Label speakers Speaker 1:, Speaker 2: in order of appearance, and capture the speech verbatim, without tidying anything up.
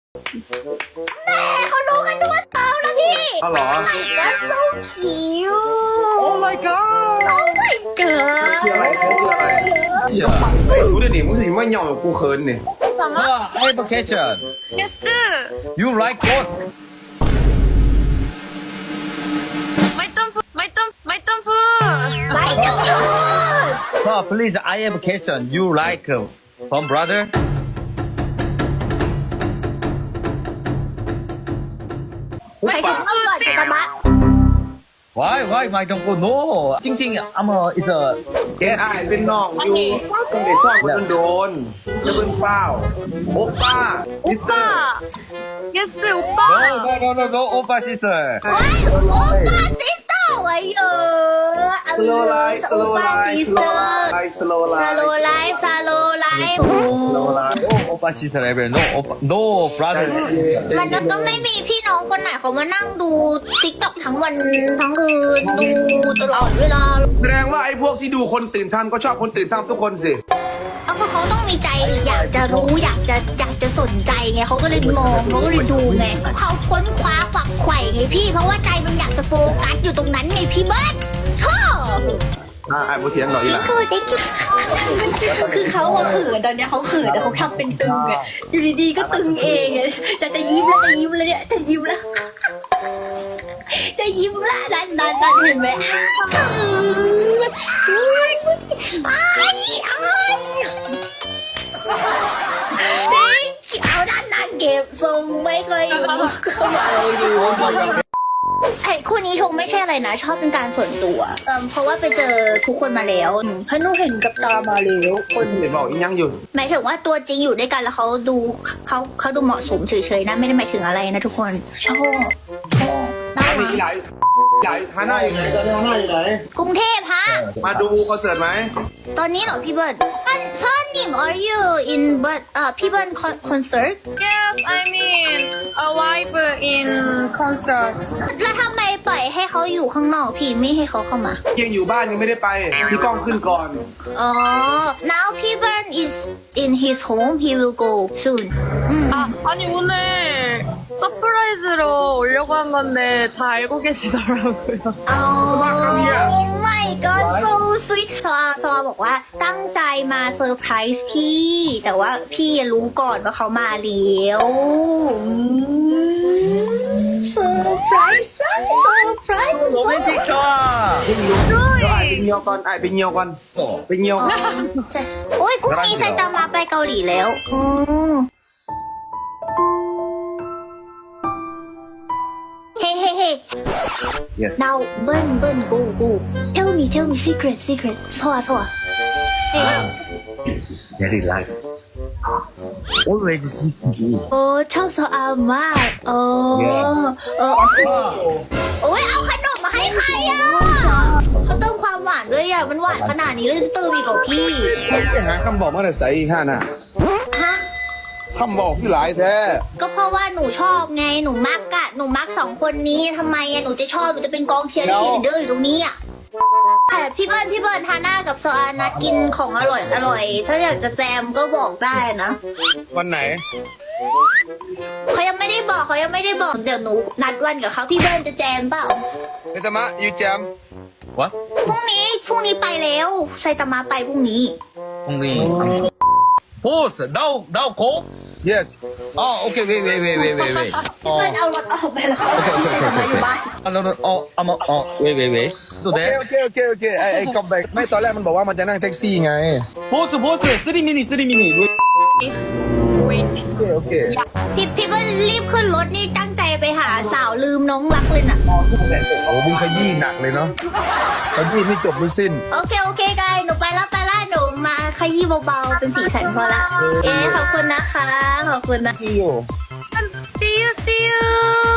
Speaker 1: แม่เขารู้กันทุกวันเสาร์แล้วพี่
Speaker 2: อ๋อเหรอ
Speaker 1: That's so cute
Speaker 2: Oh my god
Speaker 1: Oh my god
Speaker 2: คืออะไรเขาคืออะไรไอ้สูดดิมึงสิมาเหย่อกูเขินเนี่ย
Speaker 3: Ah, I have a question.
Speaker 1: Yes
Speaker 3: You like ghost?
Speaker 1: ไม่ต้องพูดไม่ต้องไม่ต้องพูดไม่ต้องพูด
Speaker 3: Ah, please, I have a question. You like uh, from brother?
Speaker 1: หมายถึงว่าก่อนจะมา
Speaker 3: Why? Why? My don't go. No. จริงๆ I'm a is a
Speaker 2: เอ็นไอเป็นน้องอยู่ตั้งแต่ซ่อนคนโดนจะเป็นเปล่าโอป้า
Speaker 1: โอป้า Yes โอป้า
Speaker 3: no no no no no Oppa sister.
Speaker 1: ว้ายโอป้าซิสเตอร์ไว้เออ
Speaker 2: สโลไลฟ์สโลไลฟ์
Speaker 1: ซิส
Speaker 2: สโล
Speaker 1: เตอร์
Speaker 2: ไลฟ์สโลไล
Speaker 1: ซาโล
Speaker 2: ฟ์
Speaker 1: ไลฟ์ซาโลไลฟ์
Speaker 3: No no Oppa sister ever. No Oppa no brother.
Speaker 1: มันก็ไม่มีพี่น้องคนไหนเขามานั่งดูติ๊กต็อกทั้งวันทั้งคืนดูตลอดเวลา
Speaker 2: แสดงว่าไอ้พวกที่ดูคนตื่นทำก็ชอบคนตื่นทำทุกคนสิ
Speaker 1: เอาก็เขาต้องมีใจอยากจะรู้อยากจะอยากจะสนใจไงเขาก็เลยมองเขาก็เลยดูไงเขาค้นคว้าฝักใฝ่ไงพี่ เพราะว่าใจมันอยากจะโฟกัสอยู่ตรงนั้นไงพี่เบิ้ลท่อ
Speaker 2: อ่าไอ้บุเทียนหน่อยอีหล่ะ
Speaker 1: คือติ๊กคือเขาอะเขินตอนเนี้ยเขาเขินแต่เขาทำเป็นตึงไงอยู่ดีๆก็ตึงเองไงแต่จะยิ้มแล้วจะยิ้มแล้วเนี่ยจะยิ้มแล้ว จะยิ้มละนั่นนั่นนั่นเห็นไหมอ้าวอ้ายอ้ายเอาด้านนั้นเก็บทรงไม่เคยอยู่เข้ามาเราอยู่ไอ้คู่นี้ชงไม่ใช่อะไรนะชอบเป็นการส่วนตัวเออเพราะว่าไปเจอทุกคนมาแล้วเพราะหนูเห็นกับตามาแล้วคน
Speaker 2: เดี๋ยวบอกอีกยังอยู่
Speaker 1: หมายถึงว่าตัวจริงอยู่ด้วยกันแล้วเขาดูเขาเขาดูเหมาะสมเฉยๆนะไม่ได้หมายถึงอะไรนะทุกคนชอบชอบน่า
Speaker 2: อัน
Speaker 1: รั
Speaker 2: นี้
Speaker 1: ก
Speaker 2: ใหญ่ใหญ่ฮาน่าอยู่ไหนตอนนี้ฮาน่าอยู่ไหน
Speaker 1: กรุงเทพฮะ
Speaker 2: มาดูคอนเสิร์ตไหม
Speaker 1: ตอนนี้เหรอพี่เบิร์ดอันชอนนิม are you in but เอ่อพี่เบิร์ดคอนเสิร์ต
Speaker 4: Yes, I mean a wife in concert.
Speaker 1: แล้วทำไมปล่อยให้เขาอยู่ข้างนอกพี่ไม่ให้เขาเข้ามา
Speaker 2: ยังอยู่บ้านยังไม่ได้ไปพี่ก้องขึ้นก่อน
Speaker 1: อ๋อ now พี่เบิร์ด is in his home he will go soon อืม
Speaker 4: 아, 아니 오늘 서프라이즈로 오려고 한 건데 다 알고 계시더라고요.
Speaker 1: อ๋อ my god so sweet ซอซอบอกว่าตั้งใจมาเซอร์ไพรส์พี่ แต่ว่าพี่รู้ก่อนว่าเขามาแล้วเซอร์ไพรส์เซอร์ไพรส์
Speaker 3: Romantic 좋아.
Speaker 2: ขึ้นลุกเดี๋ยวไอ้ไปเงียวก่อนไอ้ไปเงียวก่อนไปเงียว
Speaker 1: โอ้ยพรุ่งนี้ไซตามะไปเกาหลีแล้วอ๋อเฮ้เฮ้เฮ้
Speaker 3: Yes.
Speaker 1: now เบิ้ลเบิ้ล go go tell me tell me secret secret ซัวซัวเฮ้
Speaker 3: Very like. Always seeking.
Speaker 1: โอ้ชอบโซอามากโอ้
Speaker 3: Yeah.
Speaker 1: เออโอ้ยเอาขนมมาให้ใครอ่ะเขาเติมความหวานด้วยอ่ะมันหวานขนาดนี้เลยเติมอีกเหรอพี่
Speaker 2: ไปหาคำบอกมาแต่ใส่อีกห้าน่ะ
Speaker 1: ฮะ
Speaker 2: คำบอกพี่หลายแท้
Speaker 1: ก็เพราะว่าหนูชอบไงหนูมักอะหนูมักสองคนนี้ทำไมอะหนูจะชอบหนูจะเป็นกองเชียร์เชียร์เดอร์อยู่ตรงนี้อะแต่พี่เบิร์นพี่เบิร์นฮาน่ากับโซอานัดกินของอร่อยอร่อยถ้าอยากจะแจมก็บอกได้นะ
Speaker 2: วันไหน
Speaker 1: เขายังไม่ได้บอกเขายังไม่ได้บอกเดี๋ยวหนูนัดวันกับเขาพี่เบิร์นจะแจมเปล่า
Speaker 2: เฮตามะยูแจม
Speaker 3: What?
Speaker 1: พรุ่งนี้พรุ่งนี้ไปแล้วไซตามะไปพรุ่งนี้
Speaker 3: Only. Pause. Now now go.
Speaker 2: yes
Speaker 3: Oh, okay. Wait wait wait wait wait wait.
Speaker 1: พี่เบิร์นเอารถออกไปแล้วเขาที่ไซตามะอยู่บ้าน
Speaker 3: Ah, no no. Oh, I'm a, oh wait wait wait. So
Speaker 2: โอเค
Speaker 3: that.
Speaker 2: โอเคโอเคโอเคไอ้ไอ้คัมแบ็กไม่ตอนแรกมันบอกว่ามันจะนั่งแท็กซี่ไง
Speaker 3: Pause pause. Three minutes three minutes.
Speaker 4: Wait.
Speaker 2: โอเคโอเค
Speaker 1: พี่พี่เบิร์นรีบขึ้นรถนี่ตั้งใจไปหาสาวลืมน้องรักเลยน่ะ
Speaker 2: โอ้มึงขยี้หนักเลยเนาะขยี้ไม่จบไม่สิ้น
Speaker 1: โอเคโอเคกายหนูไปแล้วไปแล้วหนูมาขยี้เบาๆเป็นสีสันพอละเอ๊ขอบคุณนะคะขอบคุณนะ
Speaker 2: see you
Speaker 4: See you, see you.